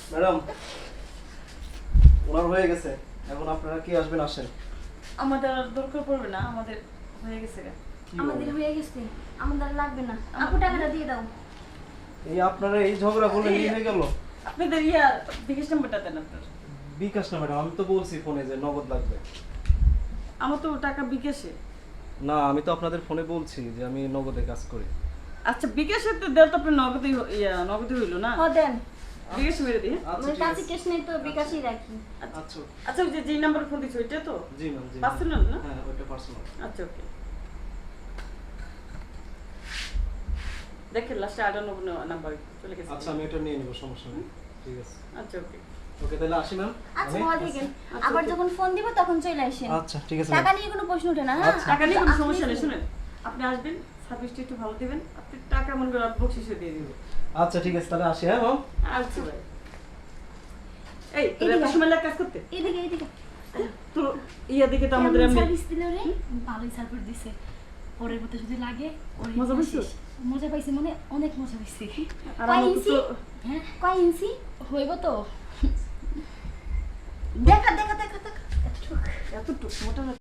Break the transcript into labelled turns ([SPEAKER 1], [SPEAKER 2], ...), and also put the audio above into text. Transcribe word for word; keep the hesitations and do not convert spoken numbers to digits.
[SPEAKER 1] Madam ওনার হয়ে গেছে, এখন আপনারা কি আসবেন আসেন।
[SPEAKER 2] আমাদের আর দরকার পড়বে না, আমাদের হয়ে গেছে গা।
[SPEAKER 1] কি
[SPEAKER 3] আমাদের
[SPEAKER 1] বলেন?
[SPEAKER 3] হয়ে গেছে, আমাদের আর লাগবে না। আপু টাকাটা দিয়ে দাও।
[SPEAKER 1] এই আপনারা এই ঝগড়া করলে কি হয়ে গেল?
[SPEAKER 2] আপনাদের ইয়া বিকাশ নাম্বারটা দেন আপনার।
[SPEAKER 1] বিকাশ না ম্যাডাম, আমি তো বলছি ফোনে যে নগদ লাগবে।
[SPEAKER 2] আমার তো টাকা বিকাশে।
[SPEAKER 1] না আমি তো আপনাদের ফোনে বলছি যে আমি নগদে কাজ করি।
[SPEAKER 2] আচ্ছা বিকাশে তো দেন তো আপনার নগদই হ- ইয়া নগদই হইলো না।
[SPEAKER 3] হ দেন।
[SPEAKER 2] বিকাশে মেরে দিই।
[SPEAKER 1] আচ্ছা
[SPEAKER 3] আমার
[SPEAKER 1] ঠিক
[SPEAKER 3] কাছে
[SPEAKER 1] আছে।
[SPEAKER 3] ক্যাশ নেই তো বিকাশই রাখি।
[SPEAKER 1] আচ্ছা
[SPEAKER 2] আচ্ছা ওই যে যে নাম্বার ফোন দিছো ওইটা তো
[SPEAKER 1] জি ম্যাম জি।
[SPEAKER 2] পার্সোনাল না?
[SPEAKER 1] হ্যাঁ ওইটা পার্সোনাল।
[SPEAKER 2] আচ্ছা ওকে। দেখেন লাস্টে আটানব্বই নাম্বার চলে গেছে।
[SPEAKER 1] আচ্ছা আমি এটা নিয়ে নিব, সমস্যা নেই। ঠিক আছে
[SPEAKER 2] আচ্ছা ওকে।
[SPEAKER 1] ওকে তাহলে আসি ম্যাম।
[SPEAKER 3] আচ্ছা ভালো থাকেন। আবার যখন ফোন দিব তখন চলে আসেন।
[SPEAKER 1] আচ্ছা ঠিক আছে
[SPEAKER 3] টাকা
[SPEAKER 1] ম্যাম।
[SPEAKER 3] নিয়ে কোনো প্রশ্ন ওঠে না, হ্যাঁ?
[SPEAKER 1] আচ্ছা।
[SPEAKER 2] টাকা নিয়ে কোনো
[SPEAKER 3] আপনি-
[SPEAKER 2] সমস্যা নেই, শুনেন আপনি আসবেন সার্ভিসটা একটু ভালো দিবেন, আপনি টাকা মনে করে বকশিসে দিয়ে দিবেন।
[SPEAKER 1] আচ্ছা ঠিক আছে তাহলে আসি হ্যাঁ ম্যাম।
[SPEAKER 2] আচ্ছা ভাই। এই তোর
[SPEAKER 3] এদিকে
[SPEAKER 2] এত
[SPEAKER 3] আয়।
[SPEAKER 2] সময় লাগে কাজ করতে?
[SPEAKER 3] এদিকে এদিকে।
[SPEAKER 2] তো ইয়া দেখে তো আমাদের
[SPEAKER 3] কেমন
[SPEAKER 2] এমনি
[SPEAKER 3] সার্ভিস দিল রে?
[SPEAKER 4] ভালোই সার্ভিস দিছে। পরের মতো যদি লাগে ওরে
[SPEAKER 2] মজা
[SPEAKER 4] নিয়ে
[SPEAKER 2] পাইছো?
[SPEAKER 4] আসিস। মজা পাইছি মানে অনেক মজা পাইছি।
[SPEAKER 2] আর
[SPEAKER 3] কয়
[SPEAKER 2] আমাকে
[SPEAKER 3] ইঞ্চি?
[SPEAKER 2] তো
[SPEAKER 4] হ্যাঁ
[SPEAKER 3] কয় ইঞ্চি?
[SPEAKER 4] হইব তো।
[SPEAKER 3] দেখা দেখা দেখা দেখা।
[SPEAKER 2] এতটুকু মোটা